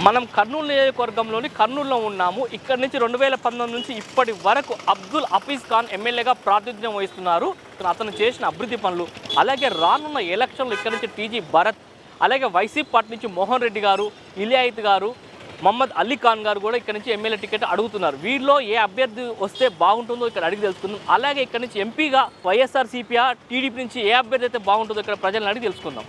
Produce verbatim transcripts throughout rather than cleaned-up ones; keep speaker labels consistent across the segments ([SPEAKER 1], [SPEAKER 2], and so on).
[SPEAKER 1] మనం కర్నూలు నియోజకవర్గంలోని కర్నూలులో ఉన్నాము. ఇక్కడ నుంచి రెండు వేల పంతొమ్మిది నుంచి ఇప్పటి వరకు అబ్దుల్ హఫీజ్ ఖాన్ ఎమ్మెల్యేగా ప్రాతినిధ్యం వహిస్తున్నారు. అతను చేసిన అభివృద్ధి పనులు, అలాగే రానున్న ఎలక్షన్లు ఇక్కడ నుంచి టీజీ భరత్, అలాగే వైసీపీ పార్టీ నుంచి మోహన్ రెడ్డి గారు, ఇలియాయిత్ గారు, మహమ్మద్ అలీ ఖాన్ గారు కూడా ఇక్కడ నుంచి ఎమ్మెల్యే టికెట్ అడుగుతున్నారు. వీరిలో ఏ అభ్యర్థి వస్తే బాగుంటుందో ఇక్కడ అడిగి తెలుసుకుందాం. అలాగే ఇక్కడ నుంచి ఎంపీగా వైఎస్ఆర్సీపీ టీడీపీ నుంచి ఏ అభ్యర్థి అయితే బాగుంటుందో ఇక్కడ ప్రజలను అడిగి తెలుసుకుందాం.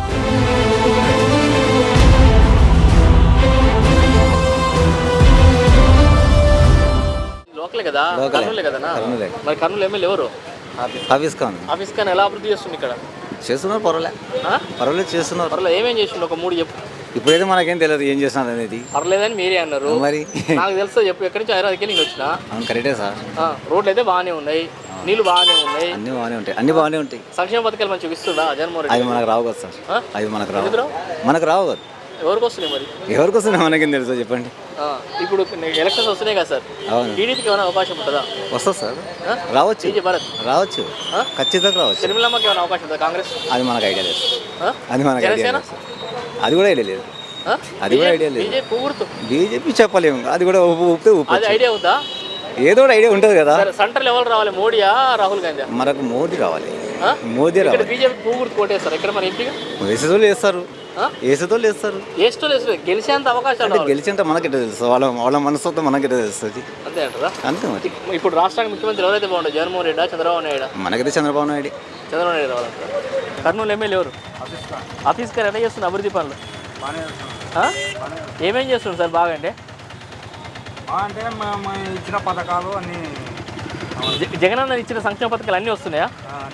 [SPEAKER 1] లోకలే కదా, కర్నూలే కదా. మరి కర్నూలు ఎమ్మెల్యే ఎవరు?
[SPEAKER 2] హఫీజ్ ఖాన్.
[SPEAKER 1] హఫీజ్ ఖాన్ ఎలా అభివృద్ధి చేస్తుంది ఇక్కడ?
[SPEAKER 2] చేస్తున్నారు, పర్వాలే పర్వాలేదు చేస్తున్నారు.
[SPEAKER 1] పర్వాలేదు. ఏమేం చేసిండు ఒక మూడు చెప్పు.
[SPEAKER 2] ఇప్పుడైతే మనకేం తెలియదు ఏం చేస్తున్నారు అనేది.
[SPEAKER 1] పర్లేదని మీరే అన్నారు.
[SPEAKER 2] మరి
[SPEAKER 1] నాకు తెలుసు చెప్పు. ఎక్కడి నుంచి హైదరాబాద్కి వెళ్ళి వచ్చిన.
[SPEAKER 2] కరెక్టే సార్.
[SPEAKER 1] రోడ్లు అయితే బాగానే ఉన్నాయి, నీళ్ళు బాగానే ఉన్నాయి,
[SPEAKER 2] అన్ని బాగానే ఉంటాయి, అన్ని బాగానే ఉంటాయి.
[SPEAKER 1] సంక్షేమ పథకాలు మంచిగా ఇస్తుందా జగన్మోహన్ రెడ్డి?
[SPEAKER 2] అవి మనకు రావు కదా సార్, అవి మనకు రావు, మనకు రావు కదా.
[SPEAKER 1] ఎవరికి వస్తున్నాయి మరి?
[SPEAKER 2] ఎవరికి వస్తున్నాయి మనకేం తెలుసు చెప్పండి.
[SPEAKER 1] ఇప్పుడు ఎలక్షన్స్ వస్తున్నాయి కదా సార్,
[SPEAKER 2] అవును.
[SPEAKER 1] టీడీపీకి ఏమైనా అవకాశం ఉంటుందా?
[SPEAKER 2] వస్తుంది సార్, రావచ్చు. టీజీ భరత్ రావచ్చు, ఖచ్చితంగా రావచ్చు.
[SPEAKER 1] షర్మిలమ్మకి ఏమైనా అవకాశం ఉంటుందా? కాంగ్రెస్?
[SPEAKER 2] అది మనకు ఐడియా లేదు, అది మనకు ఐడియా లేదు, అది కూడా ఐడియా లేదు, అది కూడా ఐడియా లేదు. బీజేపీ చెప్పలేము, అది కూడా ఊపితే ఊపి.
[SPEAKER 1] అది ఐడియా ఉందా?
[SPEAKER 2] ఏదో కూడా ఐడియా ఉంటుంది కదా.
[SPEAKER 1] సెంట్రల్ ఎవరు రావాలి, మోడీయా రాహుల్ గాంధీ?
[SPEAKER 2] మనకు మోదీ రావాలి, మోదీ రావాలి.
[SPEAKER 1] బీజేపీ పువ్వుర్తి కోటేస్తారు ఇక్కడ మన ఎంపీగా.
[SPEAKER 2] వేసేతోళ్ళు వేస్తారు, వేసేతోళ్ళు వేస్తారు,
[SPEAKER 1] వేసేతోళ్ళు వేస్తారు. గెలిచేంత అవకాశాలు
[SPEAKER 2] గెలిచేంత మనకెట తెలుసు, వాళ్ళ వాళ్ళ మనసుతో మనకెట తెలుస్తుంది.
[SPEAKER 1] అంతే అంటారా?
[SPEAKER 2] అంతే మరి.
[SPEAKER 1] ఇప్పుడు రాష్ట్రానికి ముఖ్యమంత్రి ఎవరైతే బాగుంటుంది, జగన్మోహన్ రెడ్డి, చంద్రబాబు నాయుడు?
[SPEAKER 2] మనకైతే చంద్రబాబు నాయుడు.
[SPEAKER 1] చంద్రబాబు నాయుడు రావాలంటారు. కర్నూలు ఎమ్మెల్యే ఎవరు? హఫీజ్ ఖాన్. ఎలా చేస్తున్నారు అభివృద్ధి పనులు? ఏమేం చేస్తుంది సార్ బాగా? అంటే
[SPEAKER 3] అంటే ఇచ్చిన పథకాలు అన్ని,
[SPEAKER 1] జగనన్న ఇచ్చిన సంక్షేమ పథకాలు అన్నీ వస్తున్నాయా?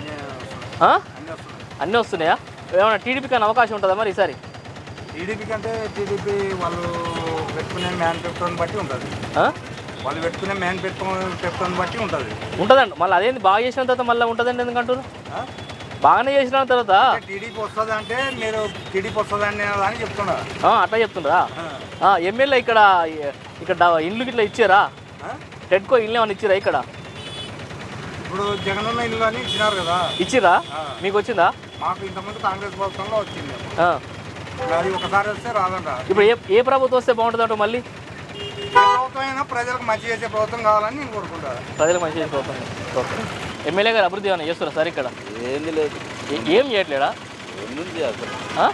[SPEAKER 1] అన్నీ వస్తున్నాయా? ఏమైనా టీడీపీకి అనే అవకాశం ఉంటుందా మరి ఈసారి?
[SPEAKER 3] టీడీపీకి అంటే టీడీపీ వాళ్ళు పెట్టుకునే మ్యాన్ పెట్టుకోని బట్టి ఉంటుంది, వాళ్ళు పెట్టుకునే మ్యాన్ పెట్టుకో పెట్టుకోని బట్టి ఉంటుంది
[SPEAKER 1] ఉంటుందండి. మళ్ళీ అదేంటి బాగా చేసిన తర్వాత మళ్ళీ ఉంటుందండి ఎందుకంటారు? బాగానే చేసిన తర్వాత
[SPEAKER 3] టీడీపీ వస్తుంది అంటే మీరు టీడీపీ వస్తుంది అని అని చెప్తున్నారు.
[SPEAKER 1] అట్లా చెప్తుండ్రా? ఎమ్మెల్యే ఇక్కడ ఇక్కడ ఇండ్లు ఇట్లా ఇచ్చారా? టెడ్కో ఇల్లు ఏమైనా ఇచ్చిరా ఇక్కడ?
[SPEAKER 3] ఇప్పుడు జగనన్న ఇల్లు అని ఇచ్చినారు కదా.
[SPEAKER 1] ఇచ్చిరా? మీకు వచ్చిందా?
[SPEAKER 3] మాకు ఇంతకుముందు కాంగ్రెస్ ప్రభుత్వంలో వచ్చింది, అది ఒకసారి వస్తే రాదంట.
[SPEAKER 1] ఇప్పుడు ఏ ఏ ప్రభుత్వం వస్తే బాగుంటుంది అంటూ? మళ్ళీ
[SPEAKER 3] ప్రభుత్వం అయినా ప్రజలకు మంచి చేసే ప్రభుత్వం కావాలని నేను కోరుకుంటాను.
[SPEAKER 1] ప్రజలకు మంచి చేసే ప్రభుత్వం. ఎమ్మెల్యే గారు అభివృద్ధి ఏమైనా చేస్తారా సార్ ఇక్కడ?
[SPEAKER 2] ఏంది లేదు,
[SPEAKER 1] ఏం చేయట్లేడా?
[SPEAKER 2] ఏముంది అసలు,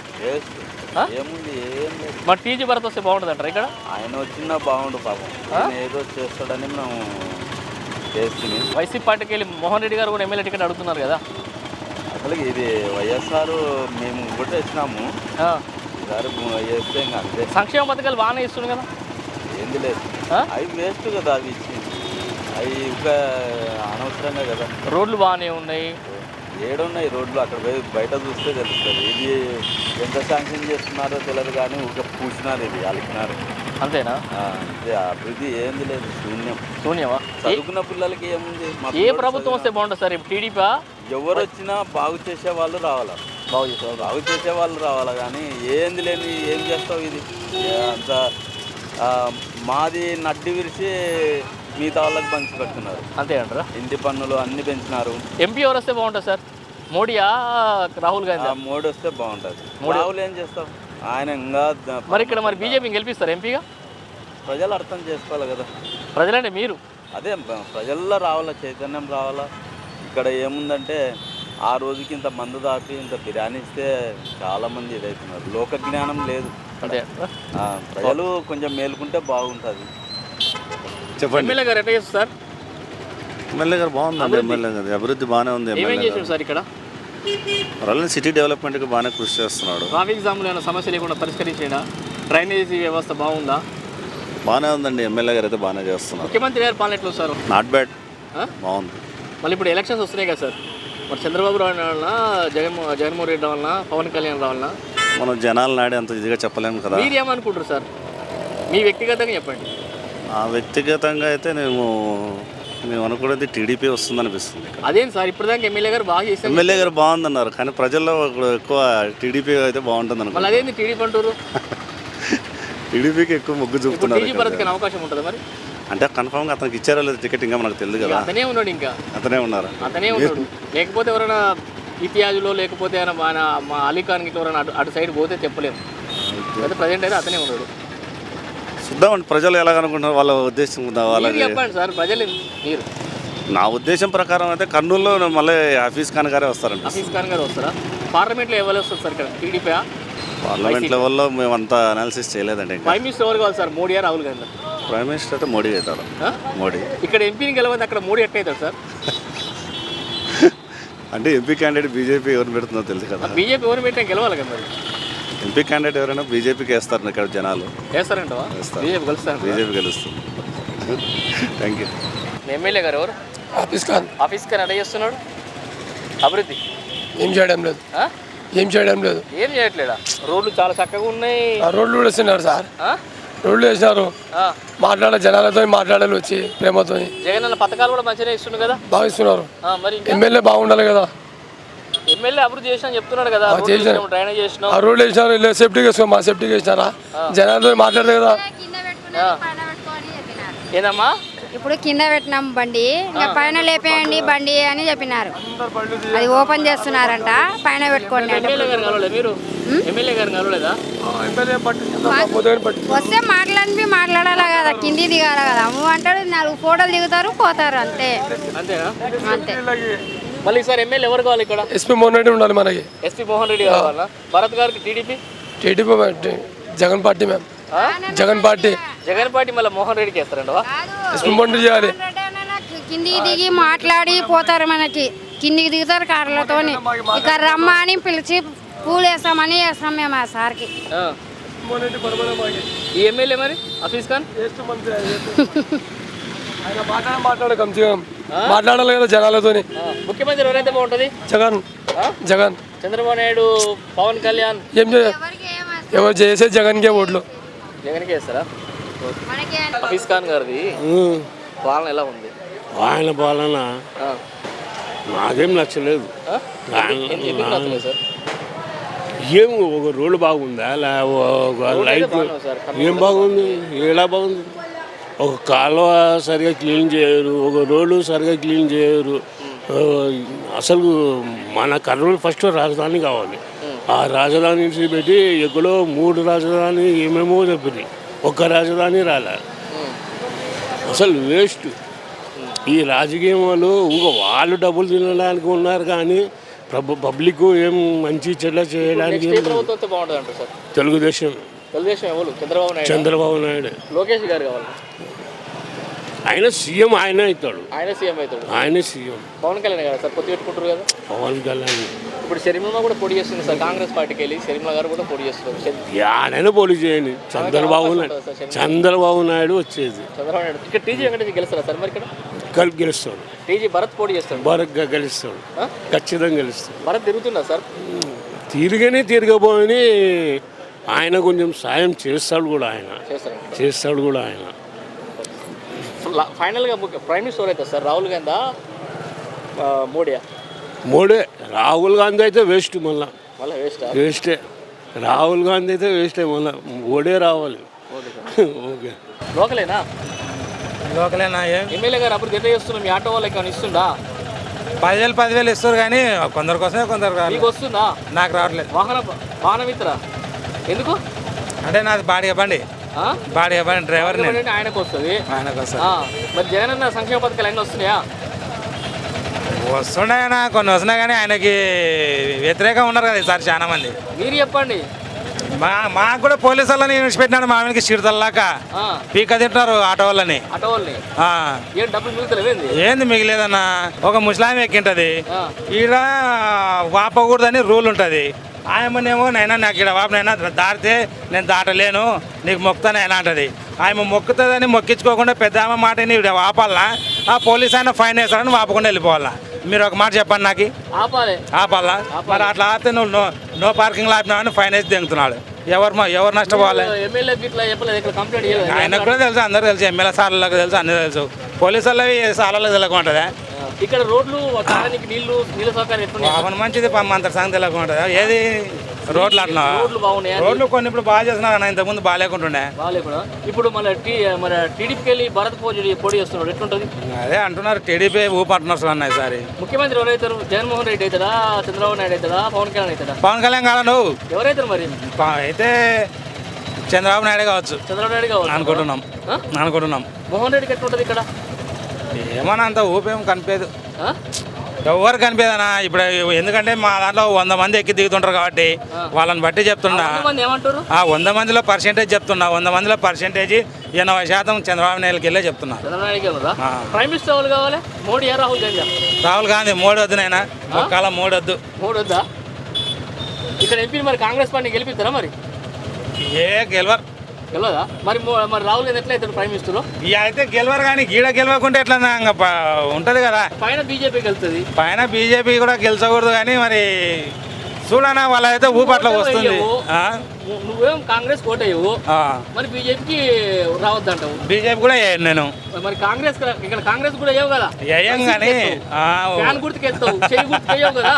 [SPEAKER 2] ఏముంది ఏం లేదు.
[SPEAKER 1] మరి టీజీ భరత్ వస్తే బాగుంటుంది అంటారా ఇక్కడ?
[SPEAKER 2] ఆయన వచ్చినా బాగుండు పాపం, ఆయన ఏదో చేస్తాడని మేము చేస్తుంది.
[SPEAKER 1] వైసీపీ పార్టీకి వెళ్ళి మోహన్ రెడ్డి గారు కూడా ఎమ్మెల్యే టికెట్ అడుగుతున్నారు కదా.
[SPEAKER 2] అసలు ఇది వైఎస్ఆర్ మేము కూడా ఇచ్చినాము, ఈసారి చేస్తే ఇంకా అంతే.
[SPEAKER 1] సంక్షేమ పథకాలు బాగానే ఇస్తుంది కదా.
[SPEAKER 2] ఏంది లేదు, అవి వేస్ట్ కదా, అవి ఇచ్చి అవి ఇంకా అనవసరంగా కదా.
[SPEAKER 1] రోడ్లు బాగానే ఉన్నాయి,
[SPEAKER 2] ఏడున్నాయి రోడ్లు, అక్కడ బయట చూస్తే తెలుస్తుంది. ఇది ఎంత శాంక్షన్ చేస్తున్నారో తెలియదు కానీ ఒక పూసినారు, ఇది అలికినారు,
[SPEAKER 1] అంతేనా?
[SPEAKER 2] ఇది అభివృద్ధి ఏంది లేదు, శూన్యం.
[SPEAKER 1] శూన్యమా?
[SPEAKER 2] చదువుకున్న పిల్లలకి ఏముంది?
[SPEAKER 1] ఏ ప్రభుత్వం వస్తే బాగుంటుంది సార్? ఇప్పుడు టీడీపీ
[SPEAKER 2] ఎవరు వచ్చినా బాగు చేసే వాళ్ళు రావాలా,
[SPEAKER 1] బాగు చేసే
[SPEAKER 2] బాగు చేసే వాళ్ళు రావాలా కానీ ఏంది లేని ఏం చేస్తావు? ఇది అంత మాది నడ్డి విరిచి మిగతా వాళ్ళకి పంచి పెడుతున్నారు, అంతే అంటారా? ఇంటి పన్నులు అన్ని పెంచినారు.
[SPEAKER 1] ఎంపీ ఎవరు వస్తే బాగుంటుంది సార్? మోడీయా రాహుల్ గాంధీ?
[SPEAKER 2] మోడీ వస్తే బాగుంటుంది. రాహుల్ ఏం చేస్తాం, ఆయన ఇంకా.
[SPEAKER 1] మరి ఇక్కడ మరి బీజేపీని గెలిపిస్తారు ఎంపీగా?
[SPEAKER 2] ప్రజలు అర్థం చేసుకోవాలి కదా.
[SPEAKER 1] ప్రజలంటే మీరు?
[SPEAKER 2] అదే ప్రజల్లో రావాలా, చైతన్యం రావాలా. ఇక్కడ ఏముందంటే ఆ రోజుకి ఇంత మందు దాటి ఇంత బిర్యానీ ఇస్తే చాలామంది ఇదవుతున్నారు, లోక జ్ఞానం లేదు.
[SPEAKER 1] అంటే
[SPEAKER 2] ప్రజలు కొంచెం మేలుకుంటే బాగుంటుంది.
[SPEAKER 1] చెప్పండి. ఎమ్మెల్యే గారు ఎట్లా చేస్తారు సార్?
[SPEAKER 4] ఎమ్మెల్యే గారు బాగుందండి, ఎమ్మెల్యే గారు అభివృద్ధి బాగానే ఉంది.
[SPEAKER 1] ఏమేం చేశారు సార్ ఇక్కడ?
[SPEAKER 4] వరల్డ్ సిటీ డెవలప్మెంట్కి బాగానే కృషి చేస్తున్నాడు.
[SPEAKER 1] ట్రాఫిక్ జామ్లు ఏమైనా సమస్య లేకుండా పరిష్కరించేడా? డ్రైనేజీ వ్యవస్థ బాగుందా?
[SPEAKER 4] బాగానే ఉందండి, ఎమ్మెల్యే గారు అయితే బాగానే చేస్తున్నారు.
[SPEAKER 1] ముఖ్యమంత్రి గారు పాలన ఎట్లా సార్?
[SPEAKER 4] నాట్ బ్యాడ్, బాగుంది.
[SPEAKER 1] మళ్ళీ ఇప్పుడు ఎలక్షన్స్ వస్తున్నాయి కదా సార్, మరి చంద్రబాబు రావాలన్నా, జగన్మో జగన్మోహన్ రెడ్డి రావాలన్నా, పవన్ కళ్యాణ్ రావాలన్నా?
[SPEAKER 4] మనం జనాలు నాడి అంత ఇదిగా చెప్పలేము కదా.
[SPEAKER 1] మీరు ఏమనుకుంటారు సార్? మీ వ్యక్తిగతంగా చెప్పండి.
[SPEAKER 4] ఆ వ్యక్తిగతంగా అయితే నేను మేము అనుకునేది టీడీపీ వస్తుంది అనిపిస్తుంది.
[SPEAKER 1] అదేం సార్, ఇప్పుడు దాకా ఎమ్మెల్యే గారు బాగా చేశారు.
[SPEAKER 4] ఎమ్మెల్యే గారు బాగుందన్నారు కానీ ప్రజల్లో ఎక్కువ టీడీపీ అయితే బాగుంటుంది అనుకుంటున్నారు.
[SPEAKER 1] అదేంటి టీడీపీ అంటారు?
[SPEAKER 4] టీడీపీకి ఎక్కువ మొగ్గు చూపుతున్నారు.
[SPEAKER 1] టీజీ భరత్కి అవకాశం ఉంటుంది మరి?
[SPEAKER 4] అంటే కన్ఫర్మ్గా అతనికి ఇచ్చారో లేదు టికెట్ ఇంకా మనకు తెలియదు కదా.
[SPEAKER 1] అతనే ఉన్నాడు, ఇంకా
[SPEAKER 4] అతనే ఉన్నారు,
[SPEAKER 1] అతనే ఉన్నాడు. లేకపోతే ఎవరైనా ఇతిహాజులో లేకపోతే మా అలీఖాన్ ఇట్లా ఎవరైనా అటు అటు సైడ్ పోతే చెప్పలేము. అయితే ప్రజెంట్ అయితే అతనే ఉన్నాడు.
[SPEAKER 4] చూద్దామండి ప్రజలు ఎలాగనుకుంటున్నారు వాళ్ళ ఉద్దేశం ఉందా
[SPEAKER 1] మీరు
[SPEAKER 4] వాళ్ళకి.
[SPEAKER 1] చెప్పండి సార్ ప్రజలు మీరు
[SPEAKER 4] నా ఉద్దేశం ప్రకారం అయితే కర్నూలులో మళ్ళీ హఫీజ్ ఖాన్ గారే వస్తారండి.
[SPEAKER 1] హఫీజ్ ఖాన్ గారు వస్తారా? పార్లమెంట్లో ఎవరు వస్తారు సార్ ఇక్కడ? టీడీపీ
[SPEAKER 4] పార్లమెంట్ లెవెల్లో మేము అంతా అనాలిసిస్ చేయలేదండి. ఇంకా
[SPEAKER 1] ప్రైమ్ మినిస్టర్ ఎవరు కావాలి sir? Modi Rahul Gandhi?
[SPEAKER 4] Prime minister అయితే మోడీ అవుతాడు.
[SPEAKER 1] ఆ?
[SPEAKER 4] మోడీ
[SPEAKER 1] ఇక్కడ ఎంపీని గెలవంది, అక్కడ మోడీ ఎట్ట అవుతాడు సార్?
[SPEAKER 4] అంటే ఎంపీ క్యాండిడేట్ బీజేపీ ఎవరిని పెడుతుందో తెలుసు కదా.
[SPEAKER 1] బీజేపీ ఎవరు పెట్టినా గెలవాలి కదా మరి.
[SPEAKER 4] ఎంపీ క్యాండిడేట్ ఎవరైనా బీజేపీకి వేస్తారు ఇక్కడ జనాలు.
[SPEAKER 1] వేస్తారంటవా?
[SPEAKER 4] వేస్తారు.
[SPEAKER 1] బీజేపీ కలుస్తారు.
[SPEAKER 4] బీజేపీ గెలుస్తుంది. Thank you.
[SPEAKER 1] ఎమ్మెల్యే గారు ఎవరు?
[SPEAKER 5] ఆఫీస్ ఖాన్
[SPEAKER 1] ఆఫీస్ ఖాన్ ఎడ చేస్తున్నాడు అభివృద్ధి?
[SPEAKER 5] ఏం చేయడం లేదు,
[SPEAKER 1] ఆ?
[SPEAKER 5] ఏం చేయడం లేదు.
[SPEAKER 1] ఏం చేయట్లేదా? రోడ్లు చాలా చక్కగా ఉన్నాయి.
[SPEAKER 5] ఆ రోడ్లు కూడా వేస్తున్నారు సార్,
[SPEAKER 1] ఆ?
[SPEAKER 5] రోడ్లు వేసినారు.
[SPEAKER 1] ఆ.
[SPEAKER 5] మాట్లాడాలి జనాలతో, మాట్లాడాలి వచ్చి ప్రేమతో
[SPEAKER 1] జగన్ అన్న పథకాలు కూడా మంచిగానే ఇస్తుంది కదా.
[SPEAKER 5] భావిస్తున్నారు.
[SPEAKER 1] ఆ, మరి ఇంకా
[SPEAKER 5] ఎమ్మెల్యే బాగుండాలి కదా.
[SPEAKER 1] ఎమ్మెల్యే అభివృద్ధి చేసినా చెప్తున్నాడు కదా.
[SPEAKER 5] ఆ,
[SPEAKER 1] రోడ్లు
[SPEAKER 5] చేశాను.
[SPEAKER 1] వేసినాం, డ్రైనేజ్ చేసినాం.
[SPEAKER 5] ఆ రోడ్లు వేసినారు, ఇలా సేఫ్టీకి వేసుకో, మా సేఫ్టీకి వేసినారా, జనాలతో మాట్లాడలేదు కదా.
[SPEAKER 1] ఏందమ్మా?
[SPEAKER 6] ఇప్పుడు కింద పెట్టినాం బండి, ఇంకా పైన లేపేయండి బండి అని చెప్పినారు. అది ఓపెన్ చేస్తున్నారంట, పైన పెట్టుకోండి అంటే.
[SPEAKER 1] ఎమ్మెల్యే గారు కలవలే మీరు? ఎమ్మెల్యే గారు కలవలేదా?
[SPEAKER 6] వస్తే మాట్లాడి మాట్లాడాలి కదా, కింది దిగాల కదా. నువ్వు అంటాడు, నాలుగు ఫోటోలు దిగుతారు పోతారు అంతే.
[SPEAKER 1] అంతేనా?
[SPEAKER 6] అంతే.
[SPEAKER 1] మళ్ళీ ఈసారి ఎమ్మెల్యే ఎవరు కావాలి ఇక్కడ?
[SPEAKER 5] ఎస్పీ మోహన్ రెడ్డి ఉండాలి మనకి.
[SPEAKER 1] ఎస్పీ మోహన్ రెడ్డి కావాలా? భరత్ గారికి TDP?
[SPEAKER 5] TDP party, Jagan party ma'am, Jagan party.
[SPEAKER 1] Jagan party మళ్ళీ మోహన్ రెడ్డికి వేస్తారంటవా?
[SPEAKER 5] ఎస్పీ మోహన్ రెడ్డి చేయాలి.
[SPEAKER 6] కిందికి దిగి మాట్లాడి పోతారు, మనకి కిందికి దిగుతారు కార్లతోని. ఇక్కడ రమ్మ అని పిలిచి పూలు వేస్తామని వేస్తాం మేము ఆ సార్కి.
[SPEAKER 1] ఆ. ఈ ఎమ్మెల్యే మరి హఫీజ్ ఖాన్
[SPEAKER 5] ఆయన మాట్లాడ మాట్లాడ కంచిగా మాట్లాడాలి కదా జనాలతోని.
[SPEAKER 1] ఆ. ముఖ్యమంత్రి ఎవరైతే బాగుంటుంది?
[SPEAKER 5] జగన్,
[SPEAKER 1] ఆ?
[SPEAKER 5] జగన్.
[SPEAKER 1] చంద్రబాబు నాయుడు, పవన్ కళ్యాణ్
[SPEAKER 5] ఏం చేయ ఎవరు చేసే జగన్కే ఓట్లు.
[SPEAKER 1] జగన్కి వేస్తారా?
[SPEAKER 6] మనకి
[SPEAKER 1] హఫీజ్ ఖాన్ గారిది పాలన ఎలా ఉంది?
[SPEAKER 7] ఆయన పాలన
[SPEAKER 1] ఆ.
[SPEAKER 7] నాకేం నచ్చలేదు.
[SPEAKER 1] ఆ? ఎందుకు- ఎందుకు నచ్చలేదు సార్?
[SPEAKER 7] ఏం ఒక రోడ్డు బాగుందా, లే ఒక లైట్
[SPEAKER 1] బాగున్నాయి సార్.
[SPEAKER 7] ఏం బాగుంది, ఎలా బాగుంది? ఒక కాలువ సరిగా క్లీన్ చేయరు, ఒక రోడ్డు సరిగా క్లీన్ చేయరు. ఆ, అసలు మన కర్నూలు ఫస్ట్ రాజధాని కావాలి. ఆ రాజధాని నుంచి పెట్టి ఎక్కడో మూడు రాజధాని ఏమేమో చెప్పింది, ఒక్క రాజధాని రాలే. అసలు వేస్ట్ ఈ రాజకీయం వాళ్ళు. ఊగ వాళ్ళు డబ్బులు తినడానికి ఉన్నారు కానీ ప్రభు పబ్లిక్ ఏం మంచి చెడ్డ చేయడానికి
[SPEAKER 1] నెక్స్ట్ ఏ ప్రభుత్వం వస్తే బాగుంటుంది అంటారు సార్?
[SPEAKER 7] తెలుగుదేశం,
[SPEAKER 1] తెలుగుదేశం ఎవరు? చంద్రబాబు నాయుడు,
[SPEAKER 7] చంద్రబాబు నాయుడు.
[SPEAKER 1] లోకేష్ గారు కావాలి.
[SPEAKER 7] ఆయన సీఎం, ఆయన అవుతాడు,
[SPEAKER 1] ఆయన సీఎం అవుతాడు.
[SPEAKER 7] ఆయన సీఎం.
[SPEAKER 1] పవన్ కళ్యాణ్ గారు సార్ పొత్తు పెట్టుకుంటారు కదా.
[SPEAKER 7] పవన్ కళ్యాణ్
[SPEAKER 1] ఇప్పుడు షర్మిల కూడా పోటీ చేస్తుంది సార్, కాంగ్రెస్ పార్టీకి వెళ్ళి షర్మిల గారు కూడా పోటీ చేస్తున్నారు. షర్-
[SPEAKER 7] యాడైనా పోటీ చేయండి. చంద్రబాబు నాయుడు, చంద్రబాబు నాయుడు వచ్చేది
[SPEAKER 1] చంద్రబాబు నాయుడు ఇక్కడ టీజీ వెంకటేష్ గెలుస్తారా సార్? మరి ఇక్కడ
[SPEAKER 7] కలిపి గెలుస్తాడు,
[SPEAKER 1] టీజీ భరత్ పోటీ చేస్తాడు.
[SPEAKER 7] బరగ్గా గెలుస్తాడు,
[SPEAKER 1] ఆ?
[SPEAKER 7] ఖచ్చితంగా గెలుస్తాడు.
[SPEAKER 1] భరత్ తిరుగుతుందా సార్?
[SPEAKER 7] తిరిగనే తిరగబోయని ఆయన కొంచెం సాయం చేస్తాడు కూడా, ఆయన
[SPEAKER 1] చేస్తారు.
[SPEAKER 7] చేస్తాడు కూడా ఆయన.
[SPEAKER 1] ఫైనల్గా ముఖ్య ప్రైమ్ మినిస్టర్ అవుతుంది సార్, రాహుల్ గాంధీ మోడీయా?
[SPEAKER 7] మోడీ. రాహుల్ గాంధీ అయితే వేస్ట్, మళ్ళా
[SPEAKER 1] మళ్ళీ వేస్టా?
[SPEAKER 7] వేస్టే. రాహుల్ గాంధీ అయితే వేస్టే, మళ్ళా మోడీ రావాలి. ఓకే.
[SPEAKER 1] లోకలేనా?
[SPEAKER 3] లోకలేనా? ఏం
[SPEAKER 1] ఎమ్మెల్యే గారు అప్పుడు ఎంత చేస్తున్నాం? మీ ఆటో వాళ్ళకి ఏమైనా ఇస్తుందా?
[SPEAKER 3] పదివేలు పదివేలు ఇస్తారు కానీ కొందరు కోసమే కొందరు కాదు.
[SPEAKER 1] మీకు వస్తుందా?
[SPEAKER 3] నాకు రావట్లేదు.
[SPEAKER 1] వాహన వాహన మిత్ర ఎందుకు?
[SPEAKER 3] అంటే నాది బాడిగ బండి,
[SPEAKER 1] ఆ?
[SPEAKER 3] బాడిగ బండి డ్రైవర్ నేను.
[SPEAKER 1] అంటే ఆయనకు వస్తుంది.
[SPEAKER 3] ఆయనకు వస్తుంది.
[SPEAKER 1] ఆ, మరి జగన్ అన్న సంక్షేమ పథకాలు అన్నీ వస్తున్నాయా?
[SPEAKER 3] వస్తున్నాయన్నా, కొన్ని వస్తున్నాయి కానీ ఆయనకి వ్యతిరేకంగా ఉన్నారు కదా ఈసారి చాలా మంది.
[SPEAKER 1] మీరు చెప్పండి.
[SPEAKER 3] మా మాకు కూడా పోలీసు వాళ్ళని విడిచిపెట్టినాడు, మా ఆయనకి చిరుతల్లాక
[SPEAKER 1] ఆ,
[SPEAKER 3] పీక తింటున్నారు ఆటో వాళ్ళని.
[SPEAKER 1] ఆటో వాళ్ళని
[SPEAKER 3] ఆ.
[SPEAKER 1] ఏం డబ్బులు మిగులుతలేవేంది?
[SPEAKER 3] ఏంది మిగిలేదన్నా? ఒక ముస్లాం ఎక్కింటది,
[SPEAKER 1] ఆ.
[SPEAKER 3] ఈడ వాపకూడదని రూల్ ఉంటుంది. ఆయమనేమో నైనా నాకు ఇక్కడ వాపనైనా దాటితే నేను దాటలేను, నీకు మొక్కుతానైనా అంటది. ఆమె మొక్కుతుందని మొక్కించుకోకుండా పెద్ద ఆమె మాటని వాపాలనా, ఆ పోలీస్ ఆయన ఫైన్ వేస్తాడని వాపకుండా వెళ్ళిపోవాలా? మీరు ఒక మాట చెప్పండి నాకు.
[SPEAKER 1] ఆపాలి.
[SPEAKER 3] ఆపాలా? మరి అట్లా ఆపితే నువ్వు నో నో పార్కింగ్ ఆపినావని ఫైన్ వేసి దింగుతున్నాడు. ఎవరు మా- ఎవరు నష్టపోవాలి?
[SPEAKER 1] ఎమ్మెల్యే ఇట్లా చెప్పలేదు, ఇక్కడ కంప్లైంట్ చేయలేదు.
[SPEAKER 3] ఆయనకు కూడా తెలుసు, అందరూ తెలుసు, ఎమ్మెల్యే సార్లకు తెలుసు, అన్నీ తెలుసు. పోలీసు వాళ్ళవి సార్లకు తెలియకుంటుందా?
[SPEAKER 1] ఇక్కడ రోడ్లు తాగడానికి నీళ్లు నీళ్ళ సౌకర్యం ఎట్లున్నాయి?
[SPEAKER 3] పాపన మంచిది, పాపం అంత సంగతి తెలియకుంటుందా? ఏది రోడ్లు అట్లా
[SPEAKER 1] రోడ్లు బాగున్నాయా?
[SPEAKER 3] రోడ్లు కొన్ని ఇప్పుడు బాగా చేస్తున్నారు అన్న, ఇంతకుముందు బాగాలేకుంటుండే.
[SPEAKER 1] బాగాలేకుండా ఇప్పుడు మన టీ మన టీడీపీకి వెళ్ళి భరత్ పోటీ పోటీ చేస్తున్నాడు, ఎట్లుంటుంది?
[SPEAKER 3] అదే అంటున్నారు, టీడీపీ ఊపంటున్నారు అన్న ఈసారి.
[SPEAKER 1] ముఖ్యమంత్రి ఎవరైతారు? జగన్మోహన్ రెడ్డి అవుతాడా, చంద్రబాబు నాయుడు అవుతాడా, పవన్ కళ్యాణ్ అవుతాడా?
[SPEAKER 3] పవన్ కళ్యాణ్ కాదా నువ్వు?
[SPEAKER 1] ఎవరైతారు మరి?
[SPEAKER 3] ప- అయితే చంద్రబాబు నాయుడు కావచ్చు
[SPEAKER 1] చంద్రబాబు నాయుడు కావచ్చు
[SPEAKER 3] అనుకుంటున్నాం
[SPEAKER 1] ఆ?
[SPEAKER 3] అనుకుంటున్నాం
[SPEAKER 1] మోహన్ రెడ్డికి ఎట్లా ఉంటుంది ఇక్కడ
[SPEAKER 3] ఏమన్నా అంత ఊపేం కనిపించదు
[SPEAKER 1] ఆ?
[SPEAKER 3] ఎవరు కనిపించదనా ఇప్పుడు ఎందుకంటే మా దాంట్లో వంద మంది ఎక్కి దిగుతుంటారు కాబట్టి వాళ్ళని బట్టి చెప్తున్నా
[SPEAKER 1] కొంతమంది ఏమంటారు
[SPEAKER 3] ఆ వంద మందిలో పర్సెంటేజ్ చెప్తున్నా వంద మందిలో పర్సెంటేజ్ ఎనభై శాతం చంద్రబాబు నాయుడుకి వెళ్ళే చెప్తున్నా
[SPEAKER 1] చంద్రబాబు నాయుడుకి వెళ్ళదా
[SPEAKER 3] ఆ.
[SPEAKER 1] ప్రైమ్ మినిస్టర్ ఎవరు కావాలి మోడీ ఏ రాహుల్ గాంధీ
[SPEAKER 3] రాహుల్ గాంధీ మోడీ వద్దు నాయన ఒక్కల మోడీ వద్దు
[SPEAKER 1] మోడీ వద్దా ఇక్కడ ఎంపీ మరి కాంగ్రెస్ పార్టీ గెలిపిస్తారా మరి
[SPEAKER 3] ఏ గెలవరు
[SPEAKER 1] గెలవదా మరి మో- మరి రాహుల్ గాంధీ ఎట్లా అవుతాడు ప్రైమ్ మినిస్టర్
[SPEAKER 3] ఇక అయితే గెలవరు కానీ గీడ గెలవకుంటే ఎట్లా ఇంకా ప- ఉంటది కదా
[SPEAKER 1] పైన బీజేపీకి వెళ్తుంది
[SPEAKER 3] పైన బీజేపీ కూడా గెలిచకూడదు కానీ మరి చూడనా వాళ్ళైతే ఊపట్ల వస్తుంది ఆ?
[SPEAKER 1] ను- నువ్వేం కాంగ్రెస్ కోటయ్యవు
[SPEAKER 3] ఆ.
[SPEAKER 1] మరి బీజేపీకి రావద్దంటావు
[SPEAKER 3] బీజేపీ కూడా వేయను నేను
[SPEAKER 1] మరి కాంగ్రెస్ క- ఇక్కడ కాంగ్రెస్ కూడా వేయవు కదా
[SPEAKER 3] వేయం కానీ ఆ,
[SPEAKER 1] ఫ్యాన్ గుర్తుకు వెళ్తావు చెయ్యి గుర్తుకు వేయవు కదా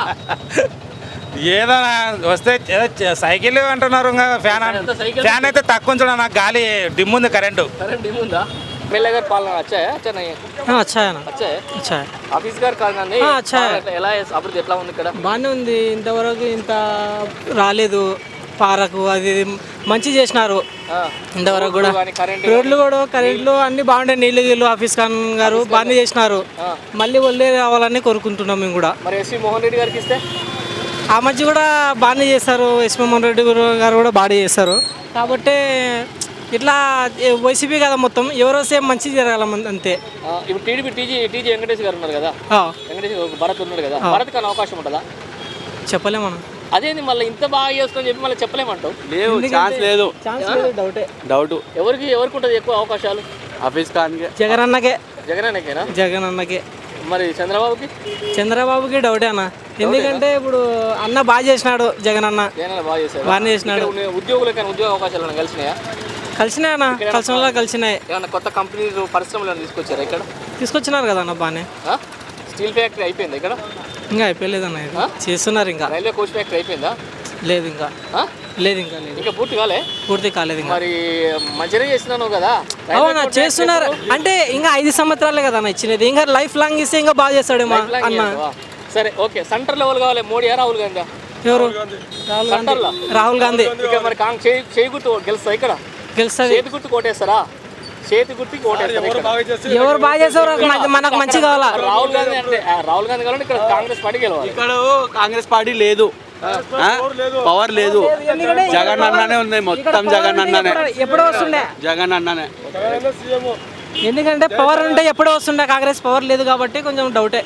[SPEAKER 3] ఏదో వస్తే ఏదో చ- సైకిల్ అంటున్నారు ఇంకా ఫ్యాన్ అన్-
[SPEAKER 1] ఎంత సైకిల్?
[SPEAKER 3] ఫ్యాన్ అయితే తక్కువ ఉంచడం నాకు గాలి డిమ్ ఉంది కరెంటు
[SPEAKER 1] కరెంట్ ఏముందా ఎమ్మెల్యే గారు పాలన వచ్చాయా వచ్చాయి
[SPEAKER 8] अच्छा है ना
[SPEAKER 1] వచ్చాయి
[SPEAKER 8] अच्छा है
[SPEAKER 1] ఆఫీస్ గారు కాదండి
[SPEAKER 8] ఆ, అచ్చా.
[SPEAKER 1] పాలన ఎట్లా- ఎలా అభివృద్ధి ఎట్లా ఉంది ఇక్కడ
[SPEAKER 8] బాగానే ఉంది ఇంతవరకు ఇంత రాలేదు పారకు అది ఇది మంచి చేసినారు
[SPEAKER 1] ఆ.
[SPEAKER 8] ఇంతవరకు కూడా
[SPEAKER 1] కానీ కరెంట్
[SPEAKER 8] రోడ్లు కూడా కరెంట్లు అన్ని బాగుంటాయి నీళ్ళు గీళ్ళు ఆఫీస్ ఖాన్ గారు బాగానే చేసినారు మళ్ళీ ఒళ్ళే రావాలని కోరుకుంటున్నాం మేము కూడా
[SPEAKER 1] మరి ఎస్వి మోహన్ రెడ్డి గారికి ఇస్తే
[SPEAKER 8] ఆ మధ్య కూడా బాగానే చేస్తారు ఎస్ మోహన్ రెడ్డి గారు కూడా బాగానే చేస్తారు కాబట్టి ఇట్లా వైసీపీ కదా మొత్తం ఎవరో సేమ్ మంచి జరగాల మన- అంతే
[SPEAKER 1] ఆ, ఇప్పుడు టీడీపీ టీజీ టీజీ వెంకటేష్ గారు ఉన్నారు కదా
[SPEAKER 8] ఆ,
[SPEAKER 1] వెంకటేష్ ఒక భరత్ ఉన్నాడు కదా భరత్ కానీ అవకాశం ఉంటుందా
[SPEAKER 8] చెప్పలేమన్నా
[SPEAKER 1] అదేంది మళ్ళీ ఇంత బాగా చేస్తుందని చెప్పి మళ్ళీ చెప్పలేమంటావు
[SPEAKER 2] లేవు ఛాన్స్ లేదు
[SPEAKER 8] ఛాన్స్ లేదు డౌటే
[SPEAKER 2] డౌట్
[SPEAKER 1] ఎవరికి ఎవరికి ఉంటుంది ఎక్కువ అవకాశాలు
[SPEAKER 2] ఆఫీస్ ఖాన్కి
[SPEAKER 8] జగన్ అన్నకే
[SPEAKER 1] జగన్ అన్నకేనా
[SPEAKER 8] జగన్ అన్నకే
[SPEAKER 1] మరి చంద్రబాబుకి
[SPEAKER 8] చంద్రబాబుకి డౌటే అన్న ఎందుకంటే ఇప్పుడు అన్న బాగా చేసినాడు జగన్ అన్న
[SPEAKER 1] జగన్ అన్న బాగా చేశారు
[SPEAKER 8] బాగానే చేసినాడు
[SPEAKER 1] ఇక్కడ ఉన్న ఉద్యోగులకైనా ఉద్యోగ అవకాశాలు ఏమైనా కలిసినాయా
[SPEAKER 8] కలిసినాయి అన్న కలిసిన వాళ్ళ కలిసినాయి
[SPEAKER 1] ఏమన్నా కొత్త కంపెనీలు పరిశ్రమలు ఏమైనా తీసుకొచ్చారా ఇక్కడ
[SPEAKER 8] తీసుకొచ్చినారు కదా అన్న బాగానే
[SPEAKER 1] ఆ? స్టీల్ ఫ్యాక్టరీ అయిపోయిందా ఇక్కడ
[SPEAKER 8] ఇంకా అయిపోయలేదు అన్న ఇది చేస్తున్నారు ఇంకా
[SPEAKER 1] రైల్వే కోచ్ ఫ్యాక్టరీ అయిపోయిందా
[SPEAKER 8] లేదు ఇంకా
[SPEAKER 1] ఆ?
[SPEAKER 8] లేదు ఇంకా లేదు
[SPEAKER 1] ఇంకా పూర్తి కాలే
[SPEAKER 8] పూర్తి కాలేదు ఇంకా
[SPEAKER 1] మరి మంచిగా చేస్తున్నాను కదా రైల్వే
[SPEAKER 8] అవునా
[SPEAKER 1] కోచ్
[SPEAKER 8] చేస్తున్నారు అంటే ఇంకా ఐదు సంవత్సరాలే కదా అన్న ఇచ్చినది ఇంకా లైఫ్ లాంగ్ ఇస్తే ఇంకా బాగా చేస్తాడేమో
[SPEAKER 1] ఫ్యాక్టరీ లాంగ్
[SPEAKER 8] అన్న
[SPEAKER 1] చేస్తావా? సరే ఓకే సెంటర్ లెవెల్ కావాలి మోడీ రాహుల్ గాంధీ
[SPEAKER 8] ఎవరు రాహుల్ గాంధీ
[SPEAKER 1] సెంటర్లో
[SPEAKER 8] రాహుల్ గాంధీ
[SPEAKER 1] ఇక్కడ మరి కాంగ్ చేయి చేయి గుర్తు గెలుస్తా ఇక్కడ
[SPEAKER 8] గెలుస్తుంది
[SPEAKER 1] చేతి గుర్తు కొట్టేస్తారా చేతి గుర్తుకి ఓటేస్తారు ఇక్కడ.
[SPEAKER 8] ఎవరు బాగా చేస్తారు మనకు- మనకు మంచి కావాలా
[SPEAKER 1] రాహుల్ గాంధీ అంటే ఆ, రాహుల్ గాంధీ కావాలంటే ఇక్కడ కాంగ్రెస్ పార్టీ గెలవాలి
[SPEAKER 2] ఇక్కడ కాంగ్రెస్ పార్టీ లేదు ఆ? పవర్ లేదు జగన్ అన్ననే ఉంది మొత్తం జగన్ అన్ననే
[SPEAKER 8] ఎప్పుడో వస్తుండే
[SPEAKER 2] జగన్ అన్ననే
[SPEAKER 8] ఎందుకంటే పవర్ ఉంటే ఎప్పుడో వస్తుండే కాంగ్రెస్ పవర్ లేదు కాబట్టి కొంచెం డౌటే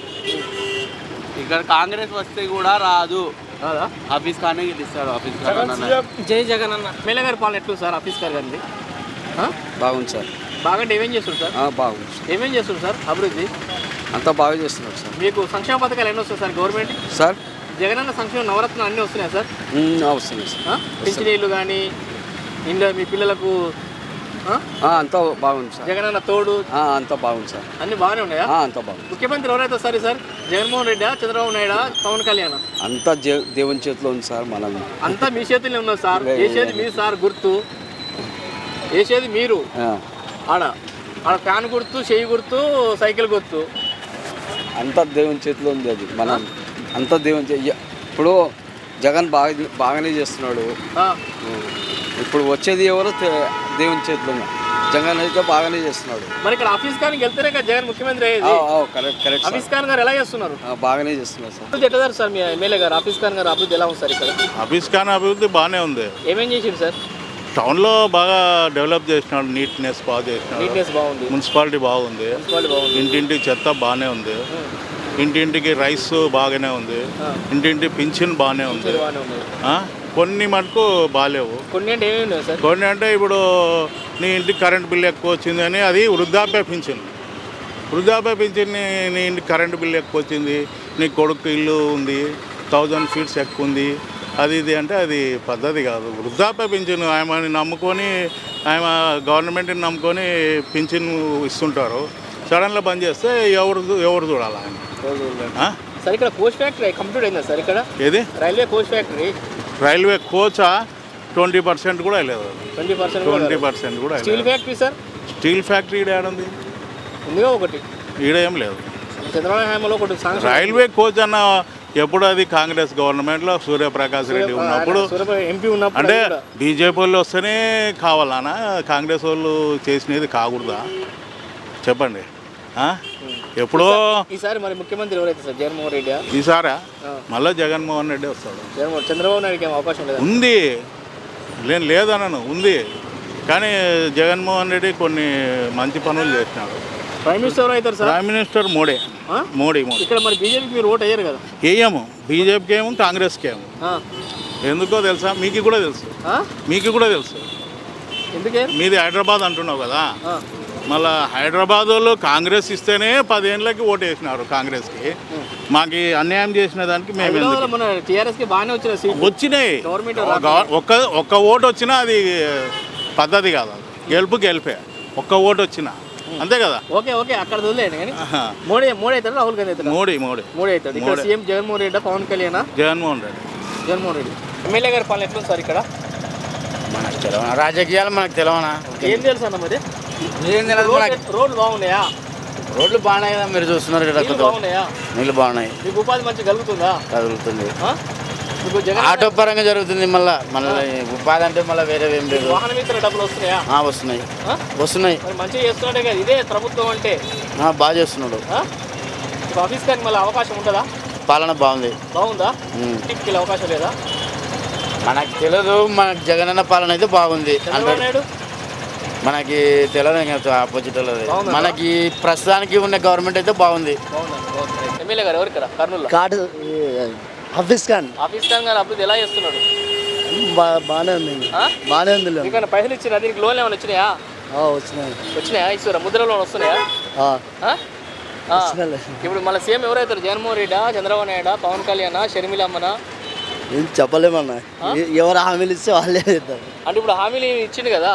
[SPEAKER 2] ఇక్కడ కాంగ్రెస్ వస్తే కూడా రాదు ఆఫీస్ ఖానే గెలుస్తాడు ఆఫీస్ ఖాన్ అన్ననే.
[SPEAKER 8] జై జగన్ అన్న
[SPEAKER 1] ఎమ్మెల్యే గారి పాలన ఎట్లు సార్ ఆఫీస్ గారు గారిది ఆ?
[SPEAKER 4] బాగుంది సార్
[SPEAKER 1] బాగా ఏమేం చేస్తారు సార్
[SPEAKER 4] బాగుంది
[SPEAKER 1] ఏమేం చేస్తారు సార్ అభివృద్ధి
[SPEAKER 4] అంతా బాగా చేస్తున్నారు సార్
[SPEAKER 1] మీకు సంక్షేమ పథకాలు ఎన్ని వస్తాయి సార్ గవర్నమెంట్
[SPEAKER 4] సార్
[SPEAKER 1] జగనన్న సంక్షేమ నవరత్నాలు అన్నీ వస్తున్నాయి సార్
[SPEAKER 4] వస్తుంది సార్
[SPEAKER 1] ఆ? పింఛనీళ్ళు కానీ ఇంట్లో మీ పిల్లలకు ఆ?
[SPEAKER 4] అంతా బాగుంది సార్
[SPEAKER 1] జగనన్న తోడు
[SPEAKER 4] అంతా బాగుంది సార్
[SPEAKER 1] అన్ని బాగానే ఉన్నాయా
[SPEAKER 4] అంతా బాగుంది
[SPEAKER 1] ముఖ్యమంత్రి ఎవరైతే సరే సార్ జగన్మోహన్ రెడ్డి చంద్రబాబు నాయుడు పవన్ కళ్యాణ్
[SPEAKER 4] అంతా దేవుని చేతిలో ఉంది సార్ మనం
[SPEAKER 1] అంతా మీ చేతుల్లో ఉన్నారు సార్ వేసేది మీరు సార్ గుర్తు వేసేది మీరు ఆడ ఆడ ఫ్యాన్ గుర్తు చేయి గుర్తు సైకిల్ గుర్తు
[SPEAKER 4] అంతా దేవుని చేతిలో ఉంది అది మనం అంతా దేవుని చే- ఇప్పుడు జగన్ బాగా బాగానే చేస్తున్నాడు
[SPEAKER 1] ఆ,
[SPEAKER 4] ఇప్పుడు వచ్చేది ఎవరో తె- దేవుని చేతిలో ఉంది. జగన్ అయితే బాగానే చేస్తున్నాడు
[SPEAKER 1] మరి ఇక్కడ ఆఫీస్ ఖాన్ వెళ్తేనే కదా జగన్ ముఖ్యమంత్రి అయ్యేది
[SPEAKER 4] correct correct sir
[SPEAKER 1] Hafeez Khan గారు ఎలా చేస్తున్నారు
[SPEAKER 4] ఆ, బాగానే చేస్తున్నారు సార్
[SPEAKER 1] అభివృద్ధి ఎట్లా సార్ మీ ఎమ్మెల్యే గారు ఆఫీస్ ఖాన్ గారు అభివృద్ధి ఎలా ఉంది సార్ ఇక్కడ
[SPEAKER 9] ఆఫీస్ ఖాన్ అభివృద్ధి బాగానే ఉంది
[SPEAKER 1] ఏమేం చేసిండు సార్
[SPEAKER 9] టౌన్లో బాగా డెవలప్ చేసినాడు నీట్నెస్ బాగా చేసినాడు
[SPEAKER 1] నీట్నెస్ బాగుంది
[SPEAKER 9] మున్సిపాలిటీ బాగుంది
[SPEAKER 1] మున్సిపాలిటీ బాగుంది
[SPEAKER 9] ఇంటింటికి చెత్త బాగానే ఉంది ఇంటింటికి రైస్ బాగానే ఉంది ఇంటింటి పింఛన్ బాగానే ఉంది
[SPEAKER 1] బాగానే ఉంది
[SPEAKER 9] ఆ? కొన్ని మటుకు బాగాలేవు
[SPEAKER 1] కొన్ని అంటే ఏమేమి ఉన్నాయి సార్
[SPEAKER 9] కొన్ని అంటే ఇప్పుడు నీ ఇంటికి కరెంట్ బిల్ ఎక్కువ వచ్చింది అని అది వృద్ధాప్య పింఛన్ వృద్ధాప్య పింఛన్ నీ నీ ఇంటికి కరెంట్ బిల్ ఎక్కువ వచ్చింది నీ కొడుకు ఇల్లు ఉంది థౌజండ్ ఫీట్స్ ఎక్కువ ఉంది అది ఇది అంటే అది పద్ధతి కాదు వృద్ధాప్య పింఛన్ ఆమెని నమ్ముకొని ఆమె గవర్నమెంట్ని నమ్ముకొని పింఛన్ ఇస్తుంటారు సడన్గా బంద్ చేస్తే ఎవరు ఎవరు చూడాలి ఆయన ఆ?
[SPEAKER 1] సార్ ఇక్కడ కోచ్ ఫ్యాక్టరీ కంప్లీట్ అయిందా సార్ ఇక్కడ
[SPEAKER 9] ఏది
[SPEAKER 1] రైల్వే కోచ్ ఫ్యాక్టరీ
[SPEAKER 9] రైల్వే కోచా ట్వంటీ పర్సెంట్ కూడా లేదు
[SPEAKER 1] ట్వంటీ పర్సెంట్
[SPEAKER 9] ట్వంటీ పర్సెంట్ కూడా
[SPEAKER 1] స్టీల్
[SPEAKER 9] లేదు.
[SPEAKER 1] ఫ్యాక్టరీ సార్
[SPEAKER 9] స్టీల్ ఫ్యాక్టరీ ఈడ ఏడుంది
[SPEAKER 1] ఉందిగా ఒకటి
[SPEAKER 9] ఈడ ఏం లేదు
[SPEAKER 1] చంద్రబాబు హయాంలో ఒకటి సాంక్షన్
[SPEAKER 9] రైల్వే కోచ్ అన్న ఎప్పుడు అది కాంగ్రెస్ గవర్నమెంట్లో సూర్యప్రకాష్ రెడ్డి ఉన్నప్పుడు
[SPEAKER 1] ఎంపీ ఉన్నప్పుడు
[SPEAKER 9] అంటే బీజేపీ వాళ్ళు వస్తేనే కావాలనా కాంగ్రెస్ వాళ్ళు చేసినది కాకూడదా చెప్పండి ఆ? ఎప్పుడో
[SPEAKER 1] ఈసారి మరి ముఖ్యమంత్రి ఎవరైతే సార్ జగన్మోహన్ రెడ్డి
[SPEAKER 9] ఈసారా మళ్ళీ జగన్మోహన్ రెడ్డి వస్తాడు.
[SPEAKER 1] జగన్మోహన్ చంద్రబాబు నాయుడుకి ఏం అవకాశం లేదు
[SPEAKER 9] ఉంది నేను లేదన్నాను ఉంది కానీ జగన్మోహన్ రెడ్డి కొన్ని మంచి పనులు చేసినాడు.
[SPEAKER 1] ప్రైమ్ మినిస్టర్ ఎవరు అవుతారు sir?
[SPEAKER 9] Prime minister Modi Modi Modi
[SPEAKER 1] ఇక్కడ మరి బీజేపీకి మీరు ఓటు అయ్యారు కదా?
[SPEAKER 9] వేయము బీజేపీకి ఏమో కాంగ్రెస్కి ఏమో ఎందుకో తెలుసా మీకు కూడా తెలుసు మీకు కూడా తెలుసు
[SPEAKER 1] ఎందుకే
[SPEAKER 9] మీది హైదరాబాద్ అంటున్నావు కదా మళ్ళీ హైదరాబాద్ వాళ్ళు కాంగ్రెస్ ఇస్తేనే పదేళ్ళకి ఓటు వేసినారు కాంగ్రెస్కి మాకు అన్యాయం చేసిన దానికి మేము ఎందుకు?
[SPEAKER 1] మన టీఆర్ఎస్కి బాగానే వచ్చిన సీట్
[SPEAKER 9] వచ్చినాయి ఒక్క ఒక్క ఓటు వచ్చినా అది పద్ధతి కాదు అది గెలుపు గెలిపే ఒక్క ఓటు వచ్చినా అంతే కదా.
[SPEAKER 1] ఓకే ఓకే అక్కడ వదిలేయండి కానీ మోడీ మోడీ అవుతాడు రాహుల్ గాంధీ అవుతాడు
[SPEAKER 9] మోడీ మోడీ
[SPEAKER 1] మోడీ అవుతాడు. ఇక్కడ సీఎం జగన్మోహన్ రెడ్డి పవన్ కళ్యాణ్
[SPEAKER 9] జగన్మోహన్ రెడ్డి
[SPEAKER 1] జగన్మోహన్ రెడ్డి ఎమ్మెల్యే గారి పాలన ఎట్లుంది సార్ ఇక్కడ?
[SPEAKER 10] మనకు తెలవనా రాజకీయాలు మనకు తెలవనా
[SPEAKER 1] ఏం తెలుసు అన్న మరి
[SPEAKER 10] ఏం తెలియదు మనకి.
[SPEAKER 1] రోడ్లు బాగున్నాయా?
[SPEAKER 10] రోడ్లు బాగున్నాయి కదా మీరు చూస్తున్నారు కదా
[SPEAKER 1] నీళ్ళు బాగున్నాయా?
[SPEAKER 10] నీళ్ళు బాగున్నాయి
[SPEAKER 1] మీకు ఉపాధి మంచిగా కలుగుతుందా?
[SPEAKER 10] కదులుతుంది
[SPEAKER 1] ఆ? మీకు జగన్
[SPEAKER 10] ఆటో పరంగా జరుగుతుంది మళ్ళీ మళ్ళీ ఉపాధి అంటే మళ్ళీ వేరే ఏం లేదు.
[SPEAKER 1] వాహన మిత్ర డబ్బులు వస్తున్నాయా?
[SPEAKER 10] ఆ, వస్తున్నాయి
[SPEAKER 1] ఆ?
[SPEAKER 10] వస్తున్నాయి
[SPEAKER 1] మరి మంచిగా చేస్తున్నాడే కదా ఇదే ప్రభుత్వం అంటే.
[SPEAKER 10] ఆ, బాగా చేస్తున్నాడు.
[SPEAKER 1] ఆ? ఇప్పుడు ఆఫీస్ కానీ మళ్ళీ అవకాశం ఉంటుందా?
[SPEAKER 10] పాలన బాగుంది.
[SPEAKER 1] బాగుందా?
[SPEAKER 10] ఉమ్.
[SPEAKER 1] ఇంటికి వెళ్ళే అవకాశం లేదా?
[SPEAKER 10] మనకు తెలియదు మనకు జగనన్న పాలన అయితే బాగుంది.
[SPEAKER 1] చంద్రబాబు నాయుడు
[SPEAKER 10] మనకి తెలియదు ఆపోజిట్ వాళ్ళది.
[SPEAKER 1] బాగుందా?
[SPEAKER 10] మనకి ప్రస్తుతానికి ఉన్న గవర్నమెంట్ అయితే బాగుంది.
[SPEAKER 1] బాగుందండి. ఎమ్మెల్యే గారు ఎవరు ఇక్కడ కర్నూలు?
[SPEAKER 11] కార్డు ఆఫీస్ కానీ
[SPEAKER 1] ఆఫీస్ కానీ గారు అభివృద్ధి ఎలా చేస్తున్నాడు?
[SPEAKER 11] బాగానే ఉంది
[SPEAKER 1] ఆ?
[SPEAKER 11] బాగానే ఉంది
[SPEAKER 1] మీకు పైసలు ఇచ్చిన దీనికి లోన్ ఏమైనా వచ్చినాయా?
[SPEAKER 11] వచ్చినాయి
[SPEAKER 1] వచ్చినాయా? ఇస్తారా ముద్ర లోన్ వస్తున్నాయా?
[SPEAKER 11] ఆ,
[SPEAKER 1] ఆ? ఆ.
[SPEAKER 11] వచ్చినాయిలే.
[SPEAKER 1] ఇప్పుడు మళ్ళీ సీఎం ఎవరైతారు? జగన్మోహన్ రెడ్డా, చంద్రబాబు నాయుడా, పవన్ కళ్యాణ్, షర్మిలమ్మనా?
[SPEAKER 11] ఏం చెప్పలేమన్నా ఎ- ఎవరు హామీలు ఇస్తే వాళ్ళే చేద్దాం.
[SPEAKER 1] అంటే ఇప్పుడు హామీలు ఇచ్చిండు కదా,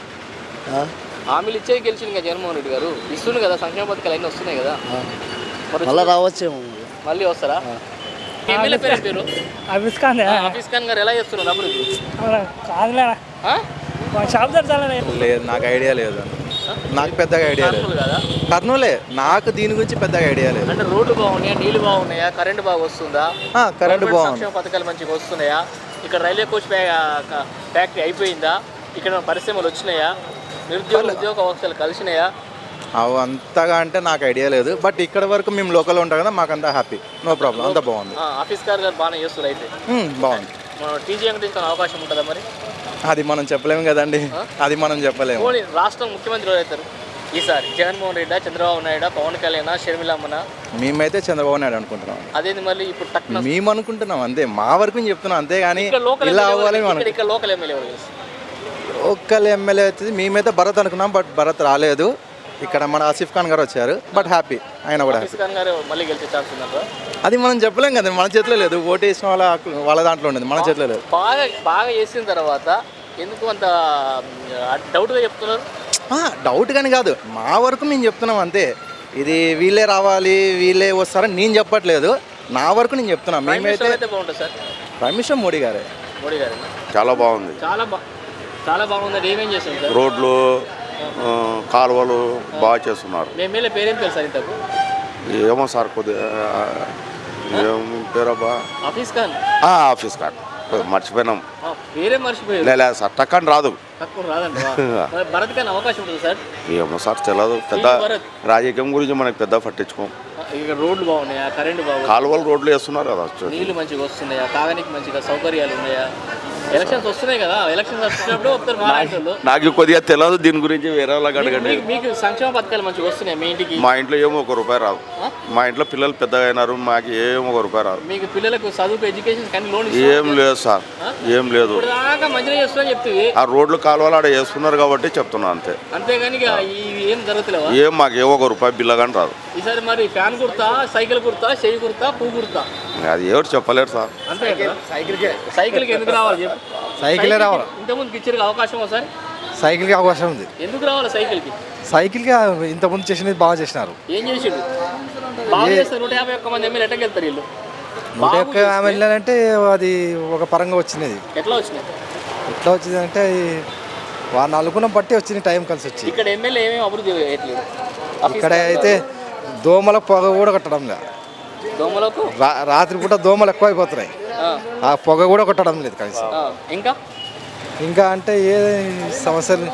[SPEAKER 1] హామీలు ఇచ్చే గెలిచింది కదా జగన్మోహన్ రెడ్డి గారు. ఇస్తుంది కదా సంక్షేమ పథకాలు అన్నీ వస్తున్నాయి కదా. మరి
[SPEAKER 11] మళ్ళీ రావచ్చేమో
[SPEAKER 1] మళ్ళీ వస్తారా? మీ ఎమ్మెల్యే పేరు ఏం పేరు?
[SPEAKER 8] ఆఫీస్ కానీ
[SPEAKER 1] ఆ, ఆఫీస్ ఖాన్ గారు ఎలా చేస్తున్నారు అభివృద్ధి?
[SPEAKER 8] కాదులేనా
[SPEAKER 1] ఆ?
[SPEAKER 8] షాప్ తెరచాలనే
[SPEAKER 12] లేదు నాకు ఐడియా లేదు నాకు పెద్దగా ఐడియా లేదు
[SPEAKER 1] కర్నూలు కదా?
[SPEAKER 12] కర్నూలే నాకు దీని గురించి పెద్దగా ఐడియా లేదు
[SPEAKER 1] అంటే రోడ్లు బాగున్నాయా, నీళ్లు బాగున్నాయా, కరెంట్ బాగా వస్తుందా,
[SPEAKER 12] ఆ, కరెంట్
[SPEAKER 1] గవర్నమెంట్
[SPEAKER 12] బాగుంది
[SPEAKER 1] సంక్షేమ పథకాలు మంచిగా వస్తున్నాయా, ఇక్కడ రైల్వే కోచ్ ఫ్యాక్టరీ అయిపోయిందా, ఇక్కడ పరిశ్రమలు వచ్చినాయా, నిరుద్యోగ ఉద్యోగ అవకాశాలు కలిసినాయా?
[SPEAKER 12] అవి అంతగా అంటే నాకు ఐడియా లేదు బట్ ఇక్కడ వరకు మేము లోకల్ ఉంటాం కదా మాకు అంతా హ్యాపీ నో ప్రాబ్లం అంతా బాగుంది.
[SPEAKER 1] ఆ, ఆఫీస్ కార్ గారు బాగానే చేస్తారు అయితే.
[SPEAKER 12] ఉమ్, బాగుంది.
[SPEAKER 1] మనం టీజీ వెంకటేశ్వర అవకాశం ఉంటుందా మరి?
[SPEAKER 12] అది మనం చెప్పలేము కదండి అది మనం చెప్పలేము.
[SPEAKER 1] పోనీ రాష్ట్రం ముఖ్యమంత్రి ఎవరైతారు ఈసారి? జగన్మోహన్ రెడ్డి, చంద్రబాబు నాయుడు, పవన్ కళ్యాణ్, షర్మిలమ్మన?
[SPEAKER 12] మేమైతే చంద్రబాబు నాయుడు అనుకుంటున్నాం.
[SPEAKER 1] అదేంది మళ్ళీ ఇప్పుడు టక్న
[SPEAKER 12] మేము అనుకుంటున్నాం అంతే మా వరకు చెప్తున్నాం అంతే కానీ
[SPEAKER 1] ఇక్కడ లోకల్
[SPEAKER 12] ఇలా
[SPEAKER 1] ఎమ్మెల్యే
[SPEAKER 12] అవ్వాలి
[SPEAKER 1] ఎవరు?
[SPEAKER 12] మనం
[SPEAKER 1] ఇక్కడ ఇక్కడ లోకల్ ఎమ్మెల్యే ఎవరు తెలుసు?
[SPEAKER 12] లోకల్ ఎమ్మెల్యే వచ్చేసి మేమైతే భరత్ అనుకున్నాం బట్ భరత్ రాలేదు. ఇక్కడ మన ఆసిఫ్ ఖాన్ గారు వచ్చారు బట్ హ్యాపీ ఆయన కూడా హ్యాపీ.
[SPEAKER 1] ఆఫీస్ ఖాన్ గారు మళ్ళీ గెలిచే ఛాన్స్ ఉందంటారా?
[SPEAKER 12] అది మనం చెప్పలేం కదా మన చేతిలో లేదు ఓటు వేసిన వాళ్ళ వాళ్ళ దాంట్లో ఉండేది మన చేతిలో లేదు.
[SPEAKER 1] బాగా బాగా చేసిన తర్వాత ఎందుకు అంత డౌట్గా చెప్తున్నారు?
[SPEAKER 12] డౌట్ కానీ కాదు మా వరకు మేము చెప్తున్నాం అంతే. ఇది వీళ్ళే రావాలి వీళ్ళే వస్తారని నేను చెప్పట్లేదు నా వరకు నేను చెప్తున్నా. మేమైతే
[SPEAKER 1] అయితే బాగుంటుంది సార్.
[SPEAKER 12] ప్రైమ్ మినిస్టర్ మోడీ గారే.
[SPEAKER 1] మోడీ గారు
[SPEAKER 2] చాలా బాగుంది.
[SPEAKER 1] చాలా బా చాలా బాగుంది. ఏమేం చేస్తారు సార్?
[SPEAKER 2] రోడ్లు ఆ, కాలువలు బాగా చేస్తున్నారు.
[SPEAKER 1] మీ ఎమ్మెల్యే పేరేం తెలుసు సార్ ఇంతకు?
[SPEAKER 2] ఏమో సార్ కొద్దిగా ఏం పేరబ్బా
[SPEAKER 1] ఆఫీస్ ఖాన్
[SPEAKER 2] ఆఫీస్ కార్డ్ మర్చిపోయినాం.
[SPEAKER 1] ఆ, పేరే మర్చిపోయారు.
[SPEAKER 2] లేదా సార్ టక్కని రాదు.
[SPEAKER 1] తక్కువ రాదండి. మరి భరత్ ఖాన్ అవకాశం ఉంటుంది సార్?
[SPEAKER 2] ఏమో సార్ తెలియదు పెద్ద
[SPEAKER 1] భరత్
[SPEAKER 2] రాజకీయం గురించి మనకు పెద్ద పట్టించుకోం.
[SPEAKER 1] ఇక్కడ రోడ్లు బాగున్నాయా, కరెంట్ బాగుంది,
[SPEAKER 2] కాలువలు రోడ్లు వేస్తున్నారు కదా,
[SPEAKER 1] నీళ్లు మంచిగా వస్తున్నాయా, తాగడానికి మంచిగా సౌకర్యాలు ఉన్నాయా? ఎలక్షన్స్ వస్తున్నాయి కదా, ఎలక్షన్స్ వచ్చినప్పుడు వస్తారు మహారాష్ట్రలో.
[SPEAKER 2] నాకు కొద్దిగా తెలియదు దీని గురించి వేరే వాళ్ళకి అడగండి.
[SPEAKER 1] మీకు- మీకు సంక్షేమ పథకాలు మంచిగా వస్తున్నాయి మీ ఇంటికి?
[SPEAKER 2] మా ఇంట్లో ఏమో ఒక రూపాయి రాదు. మా ఇంట్లో పిల్లలు పెద్దగా అయినారు మాకు ఏమో ఒక రూపాయి రాదు.
[SPEAKER 1] మీకు పిల్లలకు చదువుకు ఎడ్యుకేషన్ కానీ లోన్
[SPEAKER 2] ఏం లేదు సార్ ఏం లేదు.
[SPEAKER 1] ఇప్పుడు దాకా మంచిగా చేస్తున్నా చెప్తుంది.
[SPEAKER 2] ఆ రోడ్లు కాలువలు ఆడ వేసుకున్నారు కాబట్టి చెప్తున్నా అంతే.
[SPEAKER 1] అంతేగాని ఇక ఇవి ఏం జరుగుతలేవా?
[SPEAKER 2] ఏం మాకు ఏమో ఒక రూపాయి బిల్ల కానీ రాదు.
[SPEAKER 1] ఈసారి మరి ఫ్యాన్ కుర్తా, సైకిల్ కుర్తా, చెయ్యి కుర్తా, పువ్వు కుర్తా?
[SPEAKER 2] అది ఎవరు చెప్పలేరు సార్.
[SPEAKER 1] అంతే సైకిల్కి సైకిల్కి ఎందుకు రావాలి చెప్పు?
[SPEAKER 3] సైకిలే రావాలి.
[SPEAKER 1] ఇంతకుముందు ఇచ్చారు అవకాశం ఒకసారి.
[SPEAKER 3] సైకిల్కి అవకాశం ఉంది.
[SPEAKER 1] ఎందుకు రావాలి సైకిల్కి?
[SPEAKER 3] సైకిల్కి ఇంతకుముందు చేసినది బాగా చేసినారు.
[SPEAKER 1] ఏం చేసిండు? బాగా చేస్తారు. నూట యాభై ఒక్క మంది ఎమ్మెల్యే ఎట్టకి వెళ్తారు వీళ్ళు?
[SPEAKER 3] నూట ఒక్క ఎమ్మెల్యేలంటే అది ఒక పరంగా వచ్చినది.
[SPEAKER 1] ఎట్లా వచ్చినాయి?
[SPEAKER 3] ఎట్లా వచ్చింది అంటే వాళ్ళని అనుకున్న బట్టి వచ్చింది టైం కలిసి వచ్చి.
[SPEAKER 1] ఇక్కడ ఎమ్మెల్యే ఏమేమి అభివృద్ధి చేయట్లేదు.
[SPEAKER 3] ఇక్కడ అయితే దోమల పొగ కూడా కట్టడం లేదు.
[SPEAKER 1] దోమలకు
[SPEAKER 12] రా- రాత్రిపూట దోమలు ఎక్కువ అయిపోతున్నాయి.
[SPEAKER 1] ఆ,
[SPEAKER 12] ఆ పొగ కూడా కొట్టడం లేదు కనీసం.
[SPEAKER 1] ఆ, ఇంకా
[SPEAKER 12] ఇంకా అంటే ఏ సమస్యలు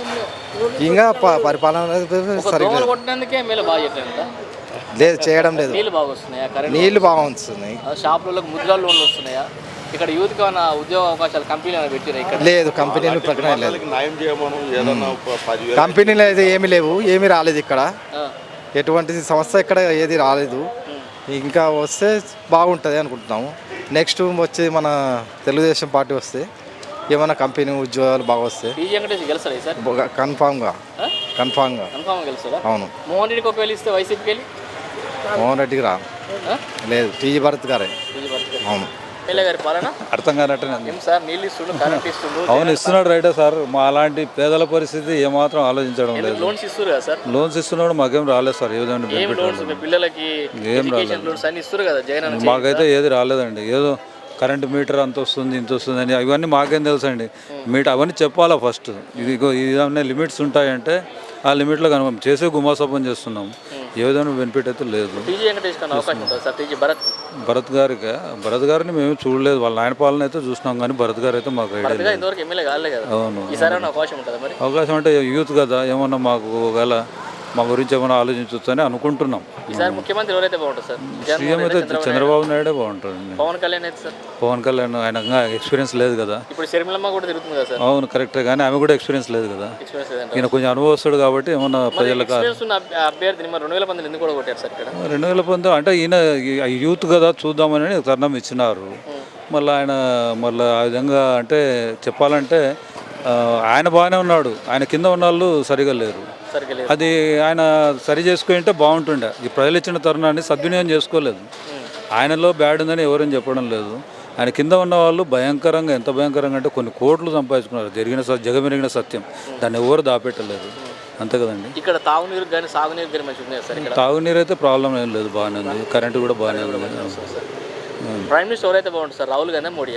[SPEAKER 12] ఇంకా ప- పరిపాలన
[SPEAKER 1] ఒక
[SPEAKER 12] సరిగ్గా
[SPEAKER 1] దోమలు కొట్టడానికే ఎమ్మెల్యే బాగా చెప్పలేదు.
[SPEAKER 12] లేదు, చేయడం లేదు.
[SPEAKER 1] నీళ్ళు బాగా వస్తున్నాయా? కరెంట్
[SPEAKER 12] నీళ్లు బాగా వస్తున్నాయి.
[SPEAKER 1] షాపులకు ముద్రా లోన్లు వస్తున్నాయా? ఇక్కడ యూత్కి ఏమైనా ఉద్యోగ అవకాశాలు కంపెనీలు ఏమైనా పెట్టినా ఇక్కడ?
[SPEAKER 12] లేదు, కంపెనీలు ప్రకటన లేదు.
[SPEAKER 2] న్యాయం చేయమను ఏదన్నా ఒక పదివేలు
[SPEAKER 12] కంపెనీలు అయితే ఏమీ లేవు, ఏమీ రాలేదు ఇక్కడ.
[SPEAKER 1] ఆ,
[SPEAKER 12] ఎటువంటి సంస్థ ఇక్కడ ఏది రాలేదు. ఇంకా వస్తే బాగుంటుంది అనుకుంటున్నాము. నెక్స్ట్ వచ్చి మన తెలుగుదేశం పార్టీ వస్తే ఏమైనా కంపెనీ ఉద్యోగాలు బాగా వస్తాయి.
[SPEAKER 1] టీజీ వెంకటేష్ గెలుస్తాడు సార్?
[SPEAKER 12] కన్ఫామ్గా
[SPEAKER 1] ఆ?
[SPEAKER 12] కన్ఫామ్గా
[SPEAKER 1] కన్ఫామ్ గెలుస్తాడా?
[SPEAKER 12] అవును.
[SPEAKER 1] మోహన్ రెడ్డికి ఒకవేళ ఇస్తే వైసీపీకి వెళ్ళి
[SPEAKER 12] మోహన్ రెడ్డికి రా
[SPEAKER 1] ఆ?
[SPEAKER 12] లేదు, టీజీ భరత్ గారే.
[SPEAKER 1] టీజీ భర్త
[SPEAKER 12] అవును.
[SPEAKER 1] ఎమ్మెల్యే గారి పాలన
[SPEAKER 13] అర్థం కానట్టు
[SPEAKER 1] ఏం సార్? నీళ్ళు ఇస్తుండు, కరెంట్ ఇస్తుండు,
[SPEAKER 13] అవును ఇస్తున్నాడు రైటే సార్. మా అలాంటి పేదల పరిస్థితి ఏమాత్రం ఆలోచించడం లేదు.
[SPEAKER 1] లోన్స్ ఇస్తారు కదా సార్?
[SPEAKER 13] లోన్స్ ఇస్తున్నాడు, మాకేం రాలేదు సార్. ఏ విధంగా
[SPEAKER 1] ఏం
[SPEAKER 13] benefit
[SPEAKER 1] లోన్స్?
[SPEAKER 13] రాలేదు.
[SPEAKER 1] పిల్లలకి
[SPEAKER 13] ఏం
[SPEAKER 1] ఎడ్యుకేషన్
[SPEAKER 13] రాలేదు.
[SPEAKER 1] లోన్స్ అన్ని ఇస్తారు కదా జగన్ అన్న
[SPEAKER 13] మాకైతే ఏది రాలేదండి. ఏదో కరెంట్ మీటర్ అంత వస్తుంది, ఇంత వస్తుంది అని ఇవన్నీ మాకేం తెలుసు అండి. మీటర్ అవన్నీ చెప్పాలా ఫస్ట్. ఇది ఇదన్నీ లిమిట్స్ ఉంటాయంటే ఆ లిమిట్లో కనుక చేసే గుమాసపం చేస్తున్నాం. ఏ విధంగా బెనిఫిట్ అయితే లేదు.
[SPEAKER 1] టీజీ వెంకటేష్ కన్నా అవకాశం ఉంటుంది సార్? టీజీ భరత్
[SPEAKER 13] భరత్ గారికి భరత్ గారిని మేము చూడలేదు. వాళ్ళ ఆయన పాలన అయితే చూసినాం కానీ భరత్ గారు అయితే మాకు ఐడియా
[SPEAKER 1] భరత్ గారు
[SPEAKER 13] లేదు.
[SPEAKER 1] ఇంతవరకు ఎమ్మెల్యే కాలే కదా.
[SPEAKER 13] అవును.
[SPEAKER 1] ఈసారి ఏమైనా అవకాశం ఉంటుందా మరి?
[SPEAKER 13] అవకాశం అంటే యూత్ కదా, ఏమన్నా మాకు ఒకవేళ మా గురించి ఏమైనా ఆలోచించవచ్చు అని అనుకుంటున్నాం.
[SPEAKER 1] ఈసారి ముఖ్యమంత్రి ఎవరైతే బాగుంటుంది సార్?
[SPEAKER 13] సీఎం అయితే చంద్రబాబు నాయుడే బాగుంటుంది.
[SPEAKER 1] పవన్ కళ్యాణ్ అయితే సార్?
[SPEAKER 13] పవన్ కళ్యాణ్ ఆయన ఎక్స్పీరియన్స్ లేదు కదా.
[SPEAKER 1] ఇప్పుడు షర్మిలమ్మ కూడా తిరుగుతుంది కదా సార్?
[SPEAKER 13] అవును కరెక్టే, కానీ ఆమె కూడా ఎక్స్పీరియన్స్ లేదు కదా.
[SPEAKER 1] ఎక్స్పీరియన్స్ లేదంట.
[SPEAKER 13] ఈయన కొంచెం అనుభవస్తుడు కాబట్టి ఏమన్నా ప్రజలకు
[SPEAKER 1] ఎక్స్పీరియన్స్ ఉన్న అభ్య- అభ్యర్థిని మరి రెండు వేల పంతొమ్మిది ఎందుకు కూడా కొట్టారు సార్ ఇక్కడ?
[SPEAKER 13] రెండు వేల పంతొమ్మిది అంటే ఈయన ఈ యూత్ కదా చూద్దామని తరుణం ఇచ్చినారు. మళ్ళీ ఆయన మళ్ళీ ఆ విధంగా అంటే చెప్పాలంటే ఆ, ఆయన బాగానే ఉన్నాడు, ఆయన కింద ఉన్న వాళ్ళు సరిగా లేరు.
[SPEAKER 1] సరిగ్గా లేదు.
[SPEAKER 13] అది ఆయన సరి చేసుకుంటే బాగుంటుండే. ఈ ప్రజలు ఇచ్చిన తరుణాన్ని సద్వినియోగం చేసుకోలేదు. ఆయనలో బ్యాడ్ ఉందని ఎవరని చెప్పడం లేదు. ఆయన కింద ఉన్న వాళ్ళు భయంకరంగా, ఎంత భయంకరంగా అంటే కొన్ని కోట్లు సంపాదించుకున్నారు. జరిగిన స- జగమెరిగిన సత్యం, దాన్ని ఎవరు దాపెట్టలేదు. అంతే కదండి.
[SPEAKER 1] ఇక్కడ తాగునీరు కానీ సాగునీరు కానీ మంచిగా ఉన్నాయి సార్ ఇక్కడ?
[SPEAKER 13] తాగునీరు అయితే ప్రాబ్లం ఏం లేదు, బాగానే ఉంది. కరెంటు కూడా బాగానే ఉంది.
[SPEAKER 1] ప్రైమ్ మినిస్టర్ ఎవరైతే బాగుంటుంది సార్? రాహుల్ గాంధీ మోడీయా?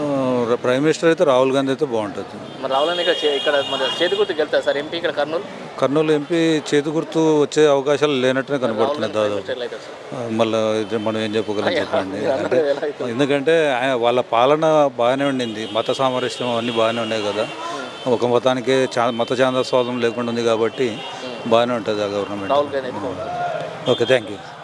[SPEAKER 13] ఆ, ప్రైమ్ మినిస్టర్ అయితే రాహుల్ గాంధీ అయితే బాగుంటుంది.
[SPEAKER 1] మరి రాహుల్ గాంధీ ఇక్కడ చే- ఇక్కడ మన చేతి గుర్తుకు వెళ్తారు సార్ ఎంపీ ఇక్కడ కర్నూలు?
[SPEAKER 13] కర్నూలు ఎంపీ చేతి గుర్తు వచ్చే అవకాశాలు లేనట్టునే కనబడుతున్నాయి దాదాపు.
[SPEAKER 1] ఎట్లా అవుతుంది సార్?
[SPEAKER 13] ఆ, మళ్ళీ ఇది మనం ఏం చెప్పగలం చెప్పండి. అంటే ఎందుకంటే ఆయన వాళ్ళ పాలన బాగానే ఉండింది, మత సామరస్యం అన్నీ బాగానే ఉన్నాయి కదా. ఒక మతానికి చా మత చాందస్వాదం లేకుండా ఉంది కాబట్టి బాగానే ఉంటుంది ఆ గవర్నమెంట్.
[SPEAKER 1] రాహుల్ గాంధీ అయితే బాగుంటుంది.
[SPEAKER 13] Okay, thank you.